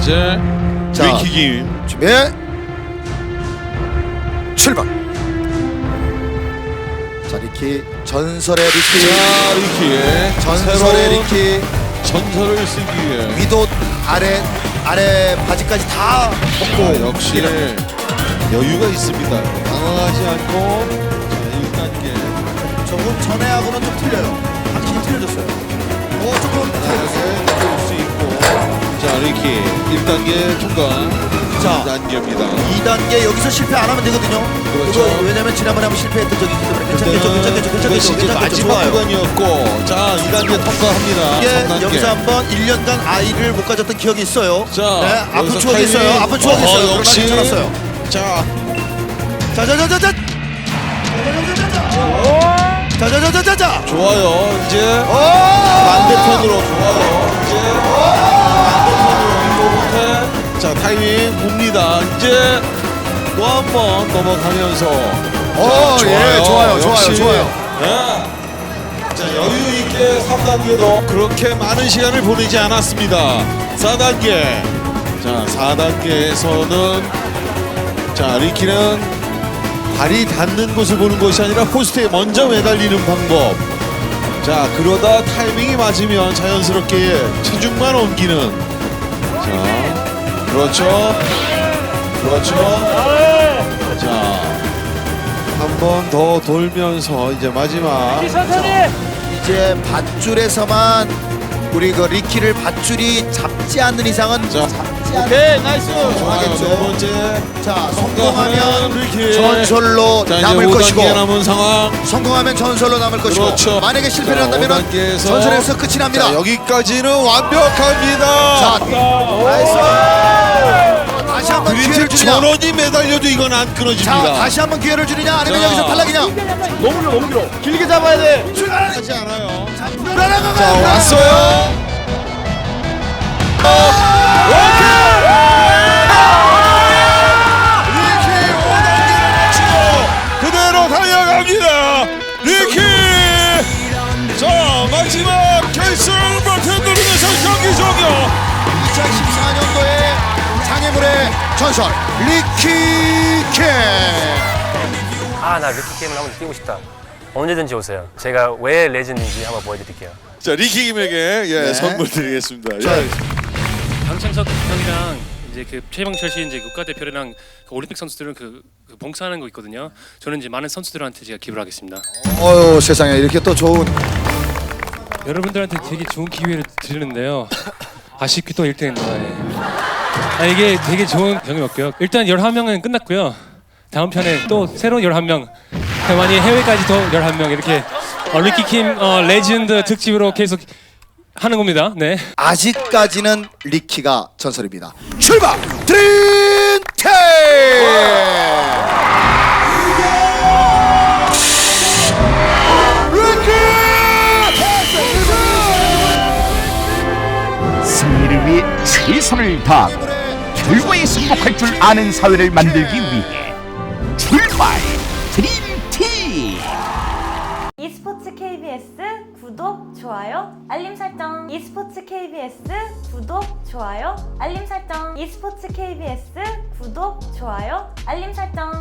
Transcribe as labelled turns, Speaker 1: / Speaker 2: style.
Speaker 1: 이제
Speaker 2: 자,
Speaker 1: 리키김
Speaker 2: 준비 출발. 자, 리키 전설의 리키.
Speaker 1: 자 리키의
Speaker 2: 전설의
Speaker 1: 새로운
Speaker 2: 리키.
Speaker 1: 전설을 쓰기 위해
Speaker 2: 위도 아래 바지까지 다 벗고
Speaker 1: 역시 여유가 있습니다. 당황하지 않고 자 1단계
Speaker 2: 조금 전에하고는 좀 틀려요. 확실히 틀려졌어요. 조금 틀려졌어요.
Speaker 1: 느낄 수 있고 자 리키 1단계 통과.
Speaker 2: 자,
Speaker 1: 2단계입니다.
Speaker 2: 2단계 여기서 실패 안 하면 되거든요.
Speaker 1: 그렇죠.
Speaker 2: 이거 왜냐면 지난번에 한번 실패했던 적이 있기 때문에 괜찮겠죠.
Speaker 1: 이것이 이제 마지막
Speaker 2: 좋아요.
Speaker 1: 구간이었고 자 2단계 통과합니다.
Speaker 2: 이게
Speaker 1: 3단계.
Speaker 2: 여기서 한번 1년간 아이를 못 가졌던 기억이 있어요.
Speaker 1: 자,
Speaker 2: 네, 아픈
Speaker 1: 여기서
Speaker 2: 추억이 있어요.
Speaker 1: 타이밍.
Speaker 2: 아픈 추억이 있어요. 그러나
Speaker 1: 역시.
Speaker 2: 괜찮았어요.
Speaker 1: 자
Speaker 2: 자자자자자. 자자자자자자.
Speaker 1: 좋아요. 이제
Speaker 2: 오!
Speaker 1: 반대편으로 좋아요. 이제 반대편으로 이거부터 자 타이밍 봅니다. 이제 또 한 번 넘어가면서
Speaker 2: 예, 좋아요.
Speaker 1: 역시.
Speaker 2: 좋아요.
Speaker 1: 네. 자 여유 있게 3단계도 그렇게 많은 시간을 보내지 않았습니다. 4단계 자 4단계에서는 자 리키는 발이 닿는 곳을 보는 것이 아니라 포스트에 먼저 매달리는 방법. 자 그러다 타이밍이 맞으면 자연스럽게 체중만 옮기는. 자 그렇죠. 자 한 번 더 돌면서 이제 마지막.
Speaker 2: 이제 밧줄에서만 우리 그 리키를 밧줄이 잡지 않는 이상은
Speaker 1: 자.
Speaker 2: 잡지 않는.
Speaker 3: 오케이, 나이스.
Speaker 1: 좋아요. 네 번째.
Speaker 2: 자,
Speaker 1: 성공하면
Speaker 2: 성공하면
Speaker 1: 리키.
Speaker 2: 전설로
Speaker 1: 자, 이제
Speaker 2: 남을
Speaker 1: 5단계
Speaker 2: 것이고
Speaker 1: 남은 상황.
Speaker 2: 성공하면 전설로 남을 것이고
Speaker 1: 그렇죠.
Speaker 2: 만약에 실패를
Speaker 1: 자,
Speaker 2: 한다면
Speaker 1: 5단계에서
Speaker 2: 전설에서 끝이 납니다.
Speaker 1: 자, 여기까지는 완벽합니다.
Speaker 2: 자, 나이스. 다시 한번 기회를
Speaker 1: 그린팀
Speaker 2: 주냐?
Speaker 1: 전원이 매달려도 이건 안 끊어집니다.
Speaker 2: 자, 다시 한번 기회를 주느냐? 아니면
Speaker 1: 자.
Speaker 2: 여기서 탈락이냐?
Speaker 3: 너무 길어. 길게 잡아야 돼.
Speaker 1: 하지 않아요.
Speaker 2: 불안한
Speaker 1: 자
Speaker 2: 거야.
Speaker 1: 왔어요. 리키 5단계를 마치고 그대로 달려갑니다. 리키. 자 마지막 결승 버튼 누르면서 경기 종료.
Speaker 2: 2014년도에 장애물의 전설 리키 캠.
Speaker 4: 나 리키 게임을 한번 뛰고 싶다. 언제든지 오세요. 제가 왜 레전드인지 한번 보여드릴게요.
Speaker 1: 자 리키김에게
Speaker 2: 네.
Speaker 1: 선물 드리겠습니다.
Speaker 2: 자,
Speaker 5: 강창석 형이랑 이제 그 최병철 씨 이제 국가대표랑 그 올림픽 선수들은 그 봉사하는 거 있거든요. 저는 이제 많은 선수들한테 제가 기부를 하겠습니다.
Speaker 2: 어유 세상에 이렇게 또 좋은.
Speaker 5: 여러분들한테 되게 좋은 기회를 드리는데요. 아쉽게 또 1등했네요. 이게 되게 좋은 경험이었고요. 일단 11명은 끝났고요. 다음 편에 또 새로운 11명, 많이 해외까지 더 11명 이렇게 리키킴 레전드 특집으로 계속 하는 겁니다. 네.
Speaker 2: 아직까지는 리키가 전설입니다. 출발! 드림팀!
Speaker 6: 승리를 위해 최선을 다하고 결과에 승복할 줄 아는 사회를 만들기 위해 출발 드림팀.
Speaker 7: e스포츠 KBS 구독, 좋아요, 알림 설정. e스포츠 KBS 구독, 좋아요, 알림 설정. e스포츠 KBS 구독, 좋아요, 알림 설정.